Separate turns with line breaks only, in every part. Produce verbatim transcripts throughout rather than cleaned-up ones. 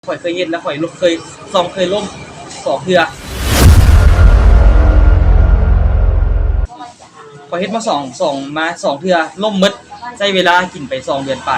ข่อยเคยเฮ็ดแล้วข่อยลเคยซองเคยล่มสองเทื่อข่อยเฮ็ดมาสองสองมาสองเทื่อล่มหมดใช้เวลากินไปสองเดือนไป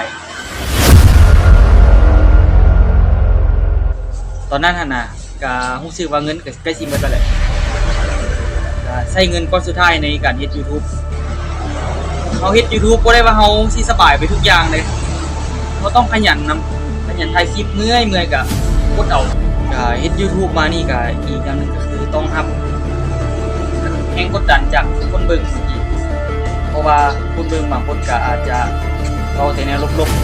ตอนนั้นหั่นน่ะก็รู้สึกว่าเงินก็ใกล้สิหมดแล้วแหละก็ใช้เงินก้อนสุดท้ายในการเฮ็ด YouTube เฮาเฮ็ด YouTube บ่ได้ว่าเฮาสิสบายไปทุกอย่างเลยเฮาต้องขยันนำขยันถ่ายคลิปเมื่อยเมื่อยก็กดเอาก็เฮ็ด YouTube มานี่ก็อีกอย่างนึงก็คือต้องรับแรงกดดันจากคนเบิ่งอีกเพราะว่าคนเบิ่งบางคนก็อาจจะเว้าแต่แนวลบๆ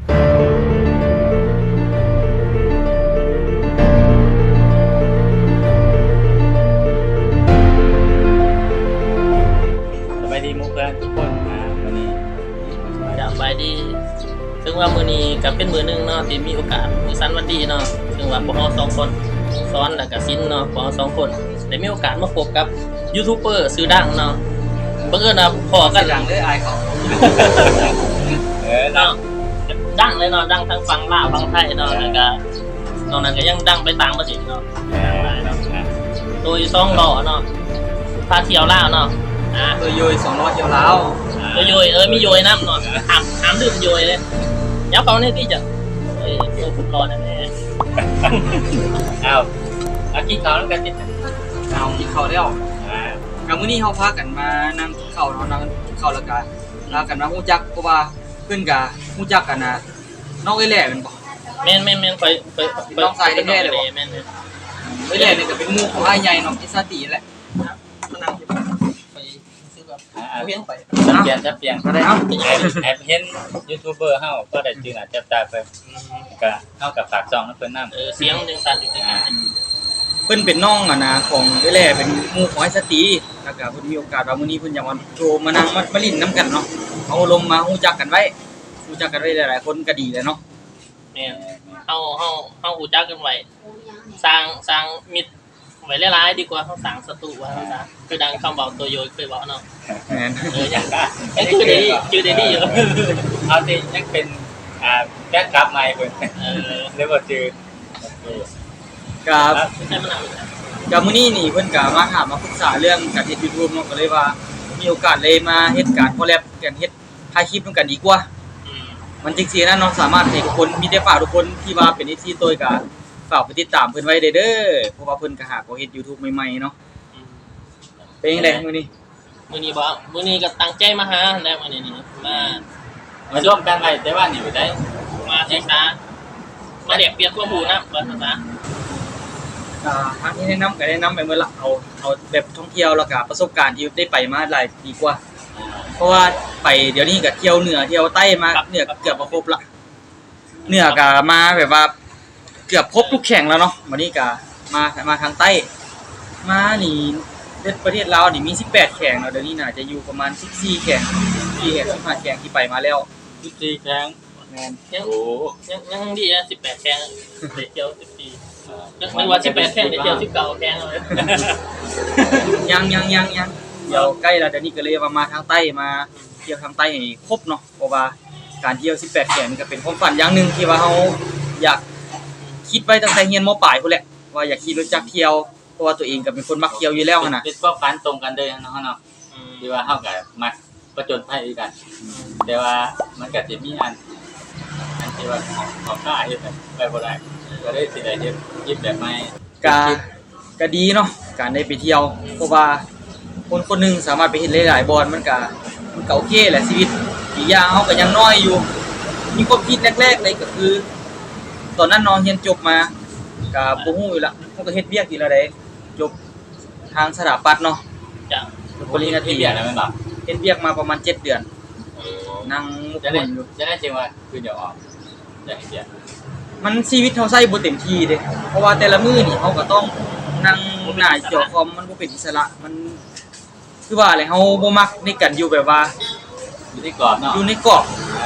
สบายดีมุกเพื่อนทุกคนนะวันนี้
สบายดีซึ่งว่ามื้อนี้ก็เป็นมื้อนึงเนาะที่มีโอกาสมื้อสันวันดีเนาะซึ่งว่าพวกเราสองคนซ้อนแล้วก็ซินเนาะพวกเราสองคนได้มีโอกาสมาพบกับยูทูบเบอร์ชื่อดังเนาะบังเอิญนะพอกัน
ดังเลยอายเขา
เออ
เนาะดังเลยเนาะดังทั้งฝั่งลาวฝั่งไทยเนาะแล้วก็นอกนั้นก็ยังดังไปต่างประเทศเนาะ
เออเนาะนะ
โดยซ่องหล่อเนาะพาเที่ยวลาวเนาะอ่า
เออโยยสองร้อยเดียวแล้ว
โยโยยเออมีโยยน้ำเนาะถามถามดื่มโยยเลยยับเขาเนี่ยที่จะเอ้ยตัวผมรอแน่
เอาเอากินข้าวแล้วกันนิดนึง
เอากินข้าวแล้ว
อ่า
กับมื้อนี้เฮาพากันมานั่งกินข้าวเนาะนั่งกินข้าวแล้วก็ลากันมาฮู้จักเพราะว่าเพิ่นก็ฮู้จักกันน่ะน้องเอ้ยแหล่แม่นบ่
แม่นแม่นแม่นไปไปไป
น้องชายแท้ๆเลยบ่
แม่นแม่น
เอ้ยแหล่นี่ก็เป็นหมู่ของอ้ายใหญ่น้องกิซาติแหละมานั่งอยู่ไปซื้อแบบ
อ่า
เอาเพียงไป
จะเปลี่ยนจะเปลี่ยน
ก็ได้เอ้า
แอบแอบเห็นยูทูบเบอร์เฮาก็ได้จื่อหน้าจับตาเพิ่นก็เฮากับฝากซองให้เพิ่นนำ
เออเสียงหนึ่งสั่นอยู่ที่ไหน
เพิ่นเป็นน้องอ่ะนะของเอ้ยแหล่เป็นหมู่ของอ้ายสติแล้วก็เพิ่นมีโอกาสว่ามื้อนี้เพิ่นอยากมาโชว์มานั่งมามาลิ้นนํกันเนาะเอาลมมาฮู้จักกันไว้ฮู้จักกันไว้หลายๆคนก็ดีแหละเนาะ
แม่นเฮาเฮาเฮาหูจักกันไว้สร้างสร้างมิตรไว้หลายๆดีกว่าเฮาสร้างศัตรูไว้เฮาซะคือดังคำเว้าตัวโยยเคยเว้าเนาะ
แม่น
เออยังยังคือได้ดีคือได้ดีอยู่
เอาสิยังเป็นอ่าแบ็คกลับใหม่เพิ่น
เออ
หรือว่าจื่อ
กับ
ไม่ใช่มันหนักเลย
กับมื้อนี้นี่เพิ่นก็มาถามมาปรึกษาเรื่องการเฮ็ด YouTube เนาะก็เลยว่ามีโอกาสเลยมาเฮ็ดการคอลแลบกันเฮ็ดถ่ายคลิปนำกันดีกว่า
อืม
มันจริงๆนะเนาะสามารถให้ทุกคนมีแต่ฝากทุกคนที่ว่าเป็น เอฟ ซี ตัวก็ฝากไปติดตามเพิ่นไว้เด้อเด้อเพราะว่าเพิ่นก็หาก็เฮ็ด YouTube ใหม่ๆเนาะ
อืม
เป็นจังได๋มื้อนี้
มื้อนี้บ่มื้อนี้ก็ตั้งใจมาหาแล้วมื้อนี้นี่มา
มาร่วมกันไว้แต่ว่านี่อยู่ได้
มาศึกษามาเรียกเปลี่ยนความรู้นะว่าซั่นซะ
อ่าทางที่แนะนำก็แนะนำไปเมื่อละเอาเอาแบบท่องเที่ยวแล้วก็ประสบการณ์ที่ได้ไปมาหลายปีกว่า เพราะว่าไปเดี๋ยวนี้ก็เที่ยวเหนือเที่ยวใต้มาเหนือเกือบมาครบละเหนือก็มาแบบว่าเกือบครบทุกแข่งแล้วเนาะวันนี้ก็มามาทางใต้มานี่ประเทศลาวนี่มีสิบแปดแข่งเนาะเดี๋ยวนี้น่าจะอยู่ประมาณสิบสี่แข่งที่แข่งสิบห้าแข่งที่ไปมาแล้ว
สิบสี่ครั้ง
แม่น
ยัง
โอ้
ยังยังดีนะสิบแปดแข่งได้เที่ยวสิบสี่ยังไม่ว่าสิบแปดแข่งได้เที่ยวสิบเก้าแข่งเลย
ยังยังยังยังเดี๋ยวใกล้แล้วเดี๋ยวนี้ก็เลยว่ามาทางใต้มาเที่ยวทางใต้ให้ครบเนาะเพราะว่าการเที่ยวสิบแปดแข่งนี่ก็เป็นความฝันอย่างหนึงที่ว่าเฮาอยากคิดไว้ตั้งแต่เรียนม.ปลายพุ่นแหละว่าอยากขี่รถจักรเที่ยวเพราะว่าตัวเองก็เป็นคนมักเที่ยวอยู่แล้วหั่นน่ะ
เป็นความฝันตรงกันเลยเนาะเนาะ
อืม
ที่ว่าเฮาก็มักประจนภัยด้วยกัน แต่ว่ามันก็สิมีอันอันที่ว่าของของข้าเฮ็ดไปบ่ได้ก็ได้สิได้เฮ็ดยิบแบบใหม่
ก็ก็ดีเนาะการได้ไปเที่ยวเพราะว่าคนคนหนึงสามารถไปเฮ็ดหลายๆบอนมันก็มันก็โอเคแหละชีวิตอีกอย่างเฮาก็ยังน้อยอยู่ มีความคิดแรกๆเลยก็คือ ตอนนั้นน้องเรียนจบมาก็บ่ฮู้อยู่ละเฮาก็เฮ็ดเวียกทีละใดจบทางสถาปัตย์เนาะ
จ้ะ
ปริญญาตรี
ที่เบียดแล้วแม่นบ่
เฮ็ดเวียกมาประมาณเจ็ดเดือน
อืม
นั่งมุก
จะ
ค
ได้
นอยู่
จะได้จริงว่าคือเดี๋ยวออกจะให้เบียด
มันชีวิตเฮาใช้บ่เต็มที่เด้เพราะว่าแต่ละมื้อนี่เฮาก็ต้องนั่งหน้าจอคอมมันบ่เป็นอิสระมันคือว่าอะไรเฮาบ่มักในการอยู่แบบว่า
อยู่ที่กรอบเนาะ
อยู่ในกรอบ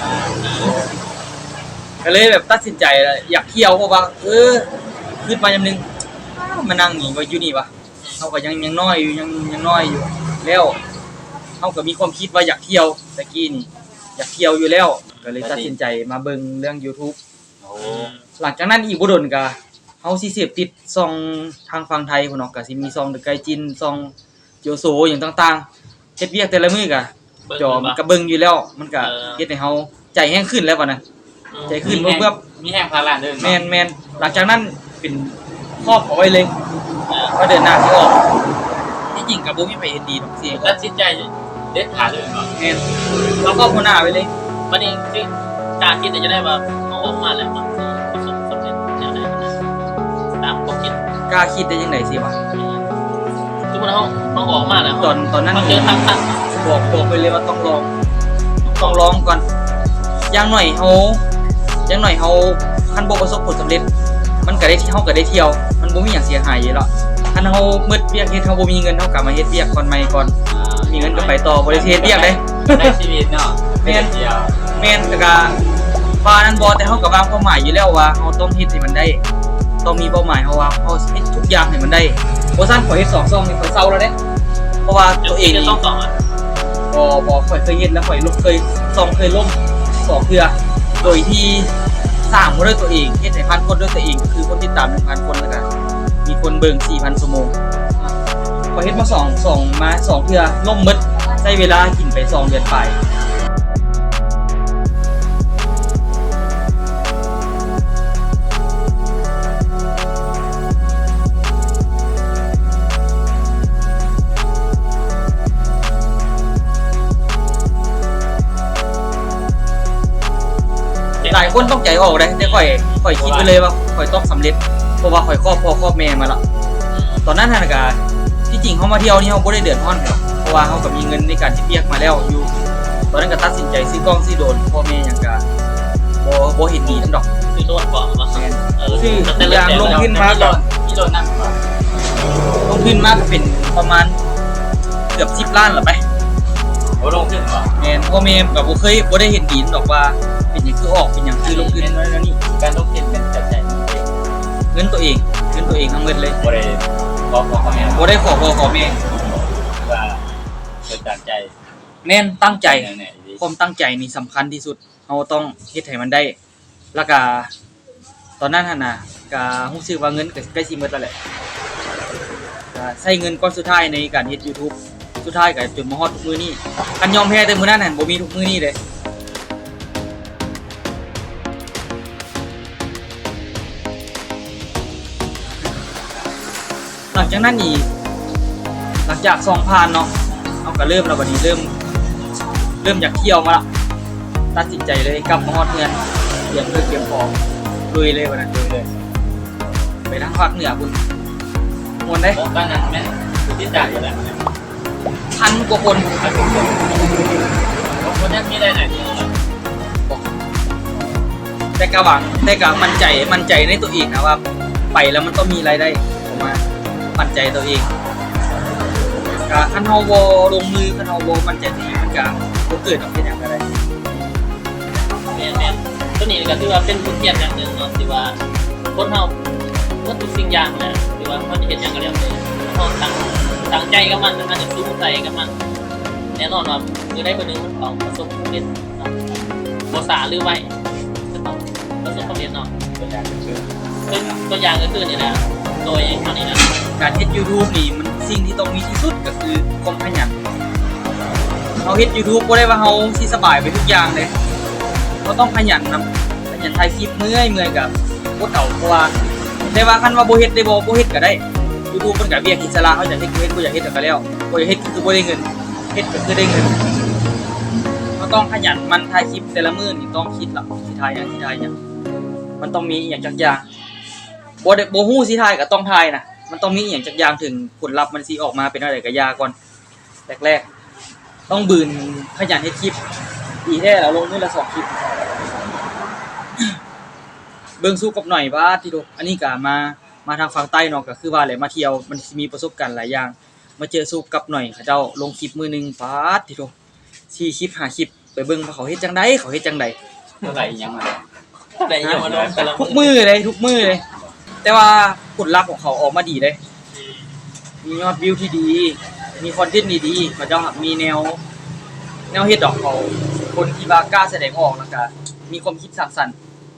ก็เลยแบบตัดสินใจแล้วอยากเที่ยวเพราะว่าเออคิดมายามนึงอ้าวมานั่งนี่ว่าอยู่นี่วะเฮาก็ยังยังน้อยอยู่ยังยังน้อยอยู่แล้วเฮาก็มีความคิดว่าอยากเที่ยวตะกี้นี่อยากเที่ยวอยู่แล้วก็เลยตัดสินใจมาเบิ่งเรื่อง YouTube
โอ้
หลังจากนั้นอีกบ่โดนก็เฮาสิเสพติดซองทางฝั่งไทยพุ่นเนาะก็สิมีซองเดอะไกจินซองเจียวโซหยังต่างๆเฮ็ดเวียกแต่ละมื้อก็จอมันก็เบิ่งอยู่แล้วมันก็เฮ็ดให้เฮาใจแห้งขึ้นแล้วบัดนั้นใจขึ้นเพิ่ม
มีแห้งพาราเด้อ
แม่นๆหลังจากนั้นเป็นครอบเอาไว้เลยว่าเดินหน้าสิออกที่จริงก็บ่มีไผเฮ็ดดีดอกเสีย
ตัดสินใจเด็ดขาดเลยเนาะ
แม่นเราก็หัวหน้าไว้เลย
วันนี้คือการคิดจะได้ว่าเอาออกมาแล้วมันประสบสำเร็จแนวใดนะตามความคิด
กล้าคิดได้จังได๋สิวะ
สมมุติเขาเขาออกมาแล้ว
ตอนตอนนั้น
เขาเจอทางตัน
บอกบอกไปเลยว่าต้องลองต้องลองก่อนอย่างหน่อยเฮาอย่างหน่อยเฮาคันบ่ประสบผลสำเร็จมันก็ได้เฮาก็ได้เที่ยวมันบ่มีหยังเสียหายอยู่แล้วคันเฮามืดเวียกเฮ็ดเฮาบ่มีเงินเฮากลับมาเฮ็ดเวียกก่อนใหม่ก่อนมีเงินก็ไปต่อบ่ได้เฮ็ดเวียกเด้
ในชีวิตเนาะแม่นเดียว
แม่นแต่ก็ว่านั้นบ่แต่เฮาก็วางเป้าหมายอยู่แล้วว่าเฮาต้องเฮ็ดให้มันได้ต้องมีเป้าหมายเฮาว่าเฮาสิเฮ็ดทุกอย่างให้มันได้บ่ซั่นข่อยเฮ็ดสองซองนี่ข่อยเซาแล้วเด้เพราะว่าตัวเอง
จะ
นี่
ต้องต่ออ่ะ
บ่บ่ข่อยเคยเฮ็ดแล้วข่อยลบเคยซองเคยล่มสองเทื่อโดยที่สร้างบ่ด้วยตัวเองเฮ็ดให้พันคนด้วยตัวเองก็คือคนติดตาม หนึ่งพัน คนแล้วก็มีคนเบิ่ง สี่พัน ชั่วโมงข่อยเฮ็ดมาสอง สองมาสองเทื่อล่มหมดใช้เวลากินไปสองเดือนปลายหลายคนต้องใจออกเลยแต่ข่อยข่อยคิดไปเลยว่าข่อยต้องสำเร็จเพราะว่าข่อยครอบพ่อครอบแม่มาแล้วตอนนั้นน่ะก็ที่จริงเฮามาเที่ยวนี่เฮาบ่ได้เดือดร้อนหรอกเพราะว่าเฮาก็มีเงินในการที่เปียกมาแล้วอยู่ตอนนั้นก็ตัดสินใจซื้อกล้องซื้อโดรนพ่อแม่หยังก็บ่บ่เห็นดีนำดอก
คือโดนก่อนมา
แม่น
เออ
ชื่อ
แต่
อย่างลง ขึ้นมาก่อน
พี่โดนนั่งก่อน
ลงทุนมาก็เป็นประมาณเกือบสิบล้านล่ะไป
โอ้ลงขึ้นก่อน
แม่นพ่อแม่ก็บ่เคยบ่ได้เห็นดีนดอกว่าเป็นหยังคือออกเป็นหยังคือลงทุนน้อยแล้วนี่
การลงทุนเป็นจัดใจ
เงินตัวเองเงินตัวเองทั้งหมดเลย
บ่ได้บอกบอกเขาแม่
บ่ได้ขอพ่อขอแม่
ว่าเกิดจากใจ
แม่นตั้งใจ
แน่ๆดี
ความตั้งใจนี่สำคัญที่สุดเราต้องเฮ็ดให้มันได้ แล้วก็ตอนนั้นหั่นน่ะก็รู้สึกว่าเงินก็ใกล้สิหมดแล้วแหละก็ใช้เงินก้อนสุดท้ายในการเฮ็ด YouTube สุดท้ายก็จนมาฮอดทุกมื้อนี้คันยอมแพ้แต่มื้อนั้นหั่นบ่มีทุกมื้อนี้เลยหลังจากนั้นอีกหลังจากสองผ่านเนาะเฮาก็เริ่มแล้วบัดนี้เริ่ม เริ่มอยากเที่ยวมาละตัดสินใจเลยกลับมาฮอดเงินเตรียมเพื่อเตรียมของลุยเลยวันนั้นลุยเลยไปทางภาคเหนือคุณมวนได้
ผมตอนนั้นแม่คือที่จ่ายอยู่แล้ว
พันกว่าคน
ผมคนนี้มีได้ไหนดี
แต่กะหวังแต่กะมั่นใจมั่นใจในตัวเองนะว่าไปแล้วมันต้องมีรายได้ออกมามั่นใจตัวเองกะคันเฮาบ่ลงมือคันเฮาบ่มั่นใจตัวเองมันก็บ่เกิดออกเป็นหยังก็ได้
แม่แม่ตัวนี้ก็ถือว่าเป็นบทเรียนอย่างหนึ่งเนาะที่ว่าคนเฮาเมื่อทุกสิ่งอย่างแหละที่ว่าเขาจะเห็นอย่างก็แล้วแต่เขาตั้งตั้งใจกับมันมันจะสู้ใจกับมันแน่นอนว่าคือได้คนนึงมันต้องประสบความสำเร็จเนาะบ่สาหรือไว้จะต้องประสบความสำเร็จเนาะ
ตัวอย่างคือ
ซึ่งตัวอย่างก็คือนี่แหละโดยเท่านี้นะ
การเฮ็ด YouTube นี่มันสิ่งที่ต้องมีที่สุดก็คือความขยันเฮาเฮ็ด YouTube บ่ได้ว่าเฮาสิสบายไปทุกอย่างเลยเราต้องขยันนำขยันถ่ายคลิปเมื่อยเมื่อยกับบ่เก่าเพราะว่าแต่ว่าคันว่าบ่เฮ็ดได้บ่บ่เฮ็ดก็ได้ YouTube มันก็เวียกอิสระเฮาอยากเฮ็ดก็เฮ็ดบ่อยากเฮ็ดก็แล้วบ่อยากเฮ็ดคือบ่ได้เงินเฮ็ดก็คือได้เงินเราต้องขยันมันถ่ายคลิปแต่ละมื้อนี่ต้องคิดล่ะสิถ่ายหยังสิถ่ายหยังมันต้องมีอีหยังจักอย่างบ่ได้บ่ฮู้สิถ่ายก็ต้องถ่ายนะมันต้องมีอีหยังจักอย่างถึงผลลัพธ์มันสิออกมาเป็นอะไรก็ยาก่อนแรกๆต้องบืนขยันเฮ็ดคลิปดีแท้แล้วลงมื้อละสองคลิป เบิ่งสู้กับหน่อยว่าที่โดอันนี้ก็มามาทางฝั่งใต้เนาะก็คือว่าแหละมาเที่ยวมันสิมีประสบการณ์หลายอย่างมาเจอสู้กับหน่อยเขาเจ้าลงคลิปมื้อนึงปาดที่โดสี่คลิปห้าคลิปไปเบิ่งว่าเขาเฮ็ดจังได๋เขาเฮ็ดจังได๋
เท่าไหร่ยังมา
แต่ยังมาลงแต่ละ
ทุกมื้อเลยทุกมื้อเลย แต่ว่าผลลัพธ์ของเขาออกมาดีเลยมียอดวิวที่ดี มีคอนเทนต์ดีๆเขาเจ้ามีแนวแนวเฮ็ดดอกเขาคนที่ว่ากล้าแสดงออกแล้วก็มีความคิดสร้างสรรค์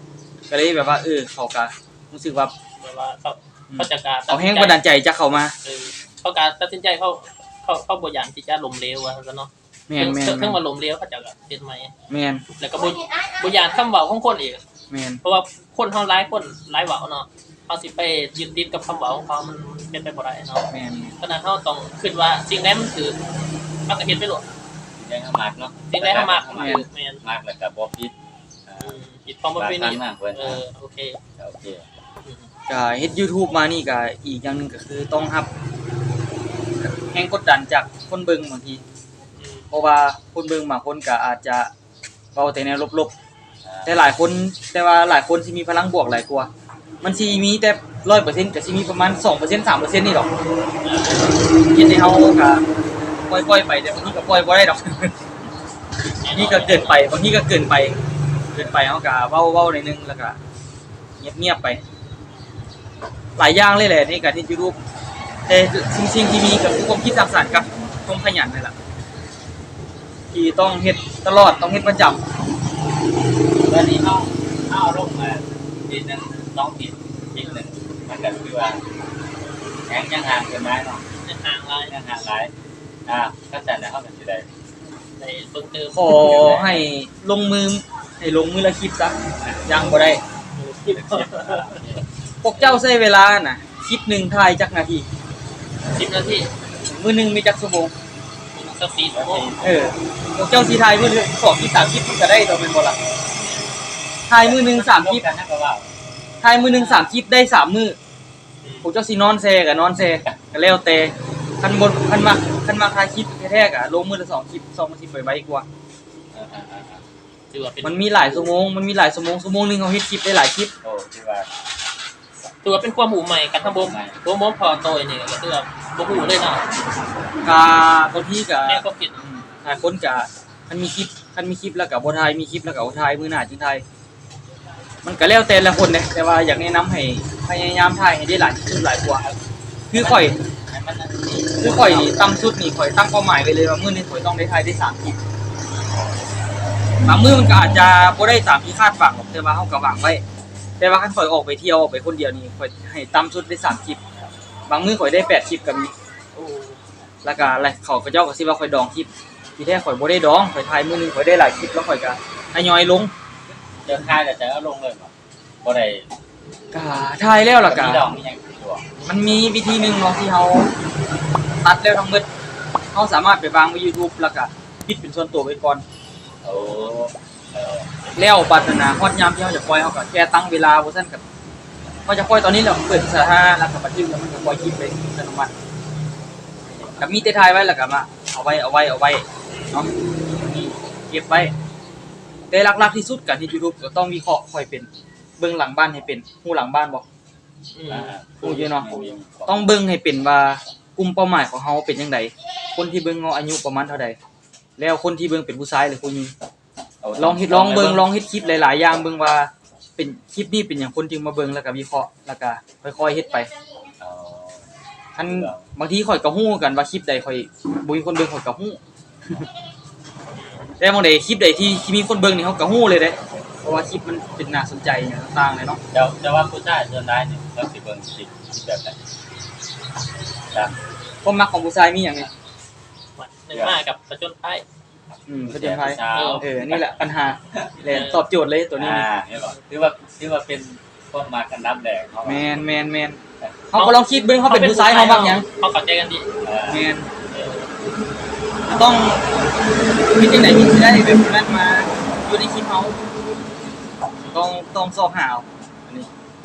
ก็เลยแบบว่าเออเขาก็รู้สึกว่า
แบบว่าเขาเขาจะการ
เอาแห้งบันดาลใจจากเขามา
เออเขาการตัดสินใจเขาเขาเขาบ่อย่างที่จะล้มเหลวว่าซั่นเนาะ
แม่นแม่น
เพิ่งมาล้มเหลวเขาจะเฮ็ดใหม่
แม่น
แล้วก็บ่บ่อย่างคำเว้าของคนอีก
แม่น
เพราะว่าคนเฮาหลายคนหลายเว้าเนาะเฮาสิไปยึดติดกับคำเว้าของเขามันเป็นไปบ่ได้เนาะ
แม่น
ฉะนั้นเฮาต้องคิดว่าสิ่งใดมันคือมันก็เฮ็ดไปโลด
ได้เข้ามาเนาะ
สิ่งใดเฮามักมันคือแม่น
มากแล้วก็บ่ผิดอ่า
อืมคิดความบ่เป็นนี่
มากเพิ่น
เออโอเค
โอเค
อืม
ก็เฮ็ด YouTube มานี่ก็อีกอย่างหนึงก็คือต้องรับแรงกดดันจากคนเบิ่งบางที
อืม
เพราะว่าคนเบิ่งบางคนก็อาจจะเว้าแต่แนวลบ
อ่า
ๆแต่หลายคนแต่ว่าหลายคนสิมีพลังบวกหลายกว่ามันสิมีแต่ หนึ่งร้อยเปอร์เซ็นต์ ก็สิมีประมาณ สองเปอร์เซ็นต์ สามเปอร์เซ็นต์ นี่ดอกเฮ็ดให้เฮาก็ปล่อยๆไปแต่บางทีก็ปล่อยบ่ได้ดอก บางทีก็เกินไปบางทีก็เกินไป เกินไปเฮาก็เว้าเว้าหน่อยนึงแล้วก็เงียบๆไป หลายอย่างเลยแหละในการที่ YouTube แต่สิ่งๆที่มีก็คือความคิดสร้างสรรค์กับความขยันนี่แหละที่ต้องเฮ็ดตลอดต้องเฮ็ดประจำ
ตอนนี้เฮาเฮาลงมาทีนึงสองทีทีนึงมันก็คือว่าแข็งยังห่างเกินไม้เนาะ
ในทางหลาย
ยังห่างหลายอ่าเข้าใจแล้วเฮาก็สิได้
ในเบิ่งเติม
ขอให้ลงมือให้ลงมือละคลิปซะยังบ่ได้
คลิป
พวกเจ้าใช้เวลาน่ะคลิปหนึงถ่ายจักนาที
สิบนาที
มื้อหนึงมีจักชั่วโมง
สักสี่ชั่วโมง
เออพวกเจ้าสิถ่ายมื้อหนึงสองคลิปสามคลิปมันก็ได้ตัวแม่นบ่ล่ะถ่ายมื้อหนึงสามคลิป
กันนะก็ว่า
ถ่ายมื้อหนึงสามคลิปได้สามมื้อพวกเจ้าสินอนแซก็นอนแซก็แล้วแต่คันบ่คันมักคันมักถ่ายคลิปแท้ๆก็ลงมื้อละสองคลิปสองคลิปไว้ๆกว่า
ถือว่าเป็น
มันมีหลายชั่วโมงมันมีหลายชั่วโมงชั่วโมงหนึงเฮาเฮ็ดคลิปได้หลายคลิป
โอ้ที่ว่า
ถือว่าเป็นความหูใหม่กันทั้งบ่บ่บ่พอโตยนี่ก็คือว่าบ่ฮู้เลยเนาะ
กาบางทีก็
แม่ก็ผิด
อืมหลายคนก็คันมีคลิปคันมีคลิปแล้วก็บ่ถ่ายมีคลิปแล้วก็บ่ถ่ายมื้อหน้าจึงถ่ายมันก็แล้วแต่ละคนเด้แต่ว่าอยากแนะนำให้พยายามถ่ายให้ได้หลายที่สุดหลายกว่าคือข่อย
ให้มันนั่นนี่
คือข่อยนี่ตั้งชุดนี่ข่อยตั้งเป้าหมายไว้เลยว่ามื้อนี้ข่อยต้องได้ถ่ายได้สามคลิปบางมื้อมันก็อาจจะบ่ได้ตามที่คาดหวังหรอกแต่ว่าเฮาก็หวังไว้ แต่ว่าคันข่อยออกไปเที่ยวออกไปคนเดียวนี่ข่อยให้ตั้งชุดได้สามคลิปบางมื้อข่อยได้แปดคลิปก็มี
โอ้
แล้วก็อะไรเขาก็เจ้าก็สิว่าข่อยดองคลิปที่แท้ข่อยบ่ได้ดองข่อยถ่ายมื้อหนึงข่อยได้หลายคลิปแล้วข่อยก็ทยอยลง
เดินค่ายแต่จะเอาลงเลยบ่บ่ได้
ก็ถ่ายแล้วล่ะก็
มีดอกมีหยังอยู่บ่
มันมีวิธีหนึงเนาะที่เฮาตัดแล้วทั้งหมดเฮาสามารถไปวางไว้ YouTube แล้วก็ปิดเป็นส่วนตัวไว้ก่อน
โอ้เออ
แล้วบัดนั้นนะฮอดยามที่เฮาจะปล่อยเฮาก็แค่ตั้งเวลาบ่ซั่นก็เฮาจะปล่อยตอนนี้แล้วเปิดสาธารณะแล้วก็บันทึกแล้วมันก็ปล่อยคลิปไปอัตโนมัติก็มีแต่ถ่ายไว้แล้วก็มาเอาไว้เอาไว้เอาไว้เนาะนี่เก็บไว้แต่หลักๆที่สุดการที่ YouTube ก็ต้องวิเคราะห์ค่อยเป็นเบิ่งหลังบ้านให้เป็นฮู้หลังบ้านบ่
อืม
อ่า
โอ้ยเนาะ ต้องเบิ่งให้เป็นว่ากลุ่มเป้าหมายของเฮาเป็นจังไดคนที่เบิ่งเฮาอายุประมาณเท่าใดแล้วคนที่เบิ่งเป็นผู้ชายหรือผู้หญิงลองเฮ็ดลองเบิ่งลองเฮ็ดคลิปหลายๆอย่างเบิ่งว่าเป็นคลิปนี้เป็นหยังคนจึงมาเบิ่งแล้วก็วิเคราะห์แล้วก็ค่อยๆเฮ็ดไป
อ๋อ
คันบางทีข่อยก็ฮู้กันว่าคลิปใดข่อยบ่มีคนเบิ่งข่อยก็ฮู้ แต่บางใดคลิปใดที่ที่มีคนเบิ่งนี่เฮาก็ฮู้เลยเด้เพราะว่าคลิปมันเป็นน่าสนใจอย่างต่างๆเลยเนาะ
เจ้าเจ้าว่าผู้ชายส่วนใดนี่เขาสิเบิ่งคลิปคลิปแบบไหนครับ
ความมักของผู้ชายมีหยังนี่
หนึ่งมากับประจนภัย
อืมประเด็นไผ
เช้า
เออนี่แหละปัญหาแหละตอบโจทย์เลยตัวนี้
อ่าเห็นบ่ถือว่าถือว่าเป็นพวกมากันนับแดงเฮา
แมนแมนแมนเขาก็ลองคิดเบิ่งเขาเป็นผู้ชายเขามักหยัง
เขาเข้าใจกันดี
เออ
แมนต้องมีจังไหนที่สิได้แบบนั้นมาอยู่ในคลิปเขาต้องต้องสอบหาเอาอันนี้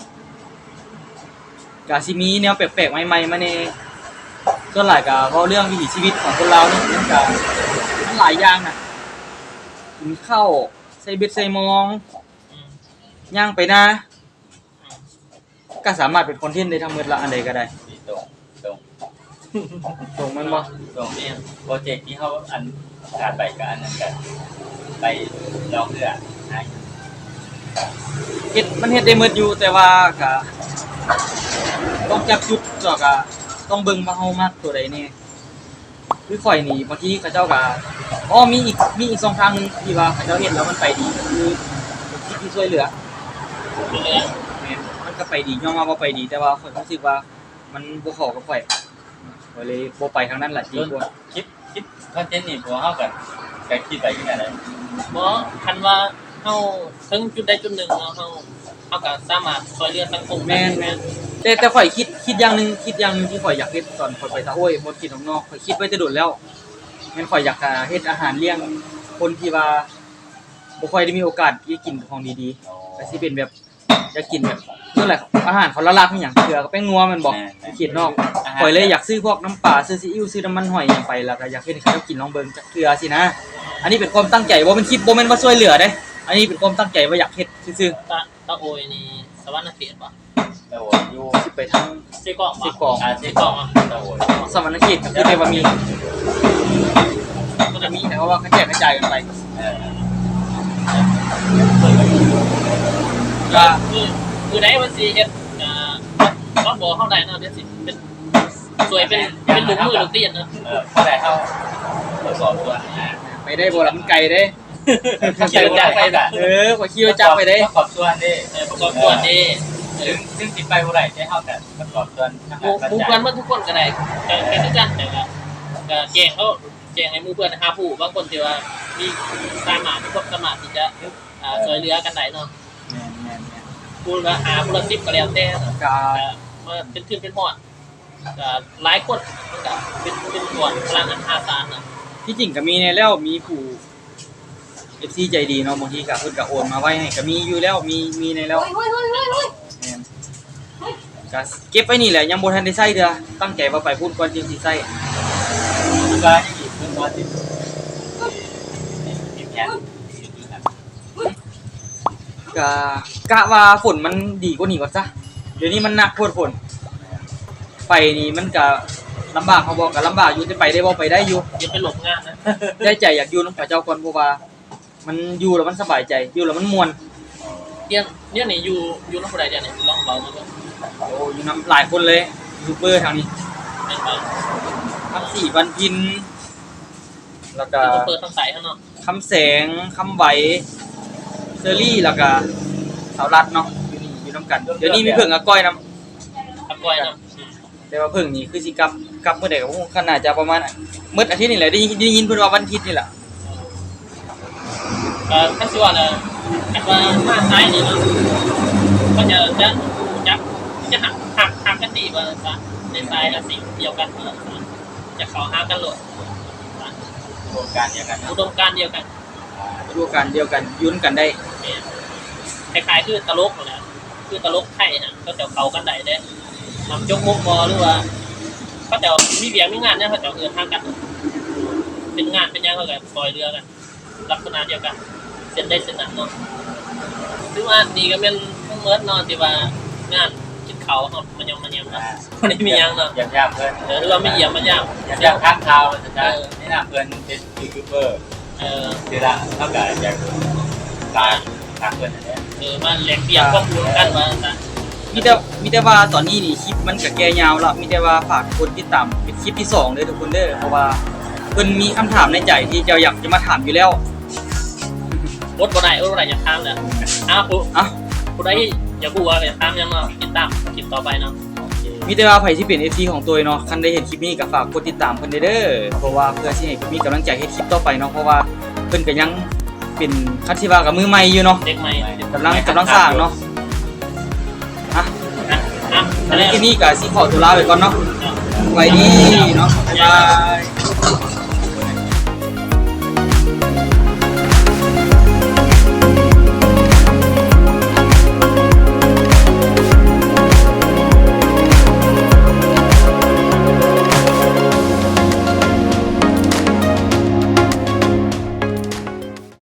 กาซิมีแนวแปลกๆใหม่ๆมาในส่วนหลายก็เพราะเรื่องวิถีชีวิตของคนเราเนาะมันก็มันหลายอย่างน่ะกินข้าวใส่เบ็ดใส่มอง
อืม
ย่างไปนะก็สามารถเป็นคอนเทนต์ได้ทั้งหมดละอันใดก็ได้
มีตรงตรง
ตรงมันบ่
ตรงนี้โปรเจกต์ที่เขาอันขาดไปกับอันนั้นกันไปลองเรือหา
เฮ็ดมันเฮ็ดได้หมดอยู่แต่ว่าก็ต้องจับจุดแล้วก็ต้องเบิ่งว่าเฮามักตัวใดแน่คือข่อยนี่บางทีเขาเจ้าก็อ๋อมีอีกมีอีกสองทางหนึงที่ว่าเขาเจ้าเฮ็ดแล้วมันไปดีก็คือเป็นคลิปที่ช่วยเหลือ
เป็นเรื่อง
แม่นมันก็ไปดียอมรับว่าไปดีแต่ว่าข่อยรู้สึกว่ามันบ่เข้ากับข่อยข่อยเลยบ่ไปทางนั้นล่ะจริงกว่า
คิดคิดคอนเทนต์นี่พอเฮากันก็คิดไปยังไงได้
บ่คันว่าเฮาถึงจุดใดจุดหนึ่งเนาะเฮาเฮาก็สามารถช่วยเหลือสังคมได้
แม่นแม่นแต่แต่ข่อยคิดคิดอย่างหนึงคิดอย่างหนึงที่ข่อยอยากเฮ็ดตอนข่อยไปตะโอ้ยบ่กินข้างนอกข่อยคิดไว้แต่โดดแล้วแม่นข่อยอยากจะเฮ็ดอาหารเลี้ยงคนที่ว่าบ่ค่อยได้มีโอกาสได้กินของดีๆก็สิเป็นแบบอยากกินแบบนั่นแหละอาหารเขาละลาบมีหยังเกลือกับแป้งนัวแมันบอกเขียนนอกข่อยเลยอยากซื้อพวกน้ำปลาซื้อซีอิ๊วซื้อน้ำมันหอยหยังไปแล้วก็อยากเฮ็ดให้เขากินลองเบิ่งจักเกลือสินะอันนี้เป็นความตั้งใจบ่แม่นคิดบ่แม่นว่าช่วยเหลือเด้อันนี้เป็นความตั้งใจว่าอยากเฮ็ดซื่อ
ตาตาโอยนี่สวรรค์เขตบ่
แต่ว่าอยู่
ๆสิไปทาง
เสกอง
สิกอง
อา
เส
ชีพ
กองอ่ะ
แต่ว่า
สวรรค์เขตก็คือได้ว่ามีก็จะมีแต่ว่าเขาแจกกระจายกันไป
เออ
ก็
คือคือได้มันสิเฮ็ดอ่าก็บ่เฮาได้เนาะเดี๋ยวสิเป็นสวยเป็นเป็นหลุมมือหลุมตีนเนาะ
เออเพราะอะไรเขาทดสอบตัวนะ
ไปได้บ่ล่ะมันไกลเด้
ขี่รถจักรไปแบบ
เออข่อยขี่รถจักรไปเด้
ประกอบส่วนดิ
เออประกอบส่วนดีเอ
ซึ่
อง
ซึ่งสิไปบ่ได้ได้เฮาแต่ประกอบส่วนทาง
หมู่
การ
หมู่
จั
เพื่อน
ด
มันทุกคนก็ได้ก็เป็นทุกกันแต่ว่าก็แจ้งเขาแจ้งให้หมู่เพื่อนหาผู้บางคนที่ว่ามีสามารถมีความสามารถที่จะอ่าช่วยเหลือกันได้เนาะ
แม่นแม่น
ผู้ละหาผู้ละสิบก็แล้วแต่เนาะ
ๆก็
ก็มาเป็นขึ้นเป็นหอดก็หลายคนมันก็เป็นเป็นส่วนพลังอันหาศาลเนาะ
ที่จริงก็มีในแล้วมีผู้ เอฟ ซี ใจดีเนาะบางทีก็เพิ่นก็โอนมาไว้ให้ก็มีอยู่แล้วมีมีในแล้วแม่นก็เก็บไว้นี่แหละยังบ่ทันได้ใช้เด้อตั้งใจว่าไปพูดก่อนจริงสิใช้
ก็อีกเพิ่นว่าสิมีแผน
ก็กะว่าฝนมันดีกว่านี้ก่อนซะเดี๋ยวนี้มันหนักโพดฝนไปนี่มันก็ลำบากเขาบอกก็ลำบากอยู่แต่ไปได้บ่ไปได้อยู่
อย่าไปหลบงานนะ
ได้ใจอยากอยู่นำพระเจ้าก่อนเพราะว่ามันอยู่แล้วมันสบายใจอยู่แล้วมันม่วน
เดี๋ยวเดี๋ยวนี่อยู่อยู่น้ำผู้ใดเดี๋ยวนี่ลองเบามาดู
โอ้อยู่นํหลายคนเลยยูทูบเบอร์ทางนี้
แม่นบ่
คำสี่วันพินแล้วก็
เดี๋ยวเปิดทางสายข้างนอก
คำแสงคำไหวเซอรี่แล้วก็สาวรัดเนาะอยู่นี่อยู่นํกันเดี๋ยวนี้มีเพิ่งกับก้อยนํ
ตะกอยเนาะ
แต่ว่าเพิ่งนี่คือสิกลับกลับเมื่อใดก็คงขนาดจะประมาณมื้ออาทิตย์นี่แหละได้ยินได้ยินเพิ่นว่าวันอาทิตย์นี่แหละ
เอ่อถ้าสิว่าน่ะถ้าว่ามาซ้ายนี่เนาะก็จะจะจับจะหักหักหักกันดีว่าซะในซ้ายกับสิ่งเดียวกันเนาะจะเข้าหากันโลด
โครงการเดียวกันนะ
อุดมการณ์เดียวกัน
ดูกันเดียวกันยุ่นกันได้
คล้ายๆคือตลกนั่นแหละคือตลกไทยน่ะก็จะเข้ากันได้เด้นำจกมุกบอหรือว่าเขาจะมีเบียร์มีงานเนี่ยเขาจะเอื้อทางกัน เป็นงานเป็นยังเขาก็ซอยเรือกัน ลักษณะเดียวกันเส้นได้เส้นนั้นเนาะซึ่งว่านี่ก็เป็นทั้งเมิดเนาะที่ว่างานกินเขาเขามันยังมันยังเนาะวันนี้มียังเนาะ
ยำยำเพื่อน
เออหรือว่าไม่เยี่ยมมันยัง
ยำยำข้างเท้าจะได้นี่นะเพื่อนเป็นยูทูบเบอร์
เออ
คือละเท่ากับอยากตายทางเพื่อนเนี่ย
เออมาแลกเปลี่ยนข้อมูลกันว่าซะ
มีแต่มีแต่ว่าตอนนี้นี่คลิปมันก็แก่ยาวแล้วมีแต่ว่าฝากคนติดตามเป็นคลิปที่สองเด้อทุกคนเด้อเพราะว่าเพิ่นมีคำถามในใจที่จะอยากจะมาถามอยู่แล้ว
อดบ่ได้อดบ่ได้อย่าข้ามเลยอ้าวผู้
อ่ะ
ผู้ใดอย่าพูดว่าอย่าข้ามยังเนาะติดตามคลิปต่อไปเนาะ
มีแต่ว่าไผที่เป็น เอฟ ซี ของตัวเนาะคันได้เห็นคลิปนี้ก็ฝากกดติดตามเพิ่นเด้อเพราะว่าเพื่อสิให้มีกำลังใจเฮ็ดคลิปต่อไปเนาะเพราะว่าเพิ่นก็ยังเป็นคันสิว่ากับมือใหม่อยู่เนาะ
เด็กใหม่
กำลังกำลังสร้างเนาะอ่ะ
อ่ะอ่ะ
อันนี้ที่นี่ก็สิขอตัวลาไปก่อนเนาะไว้ดีเนาะบ๊ายบาย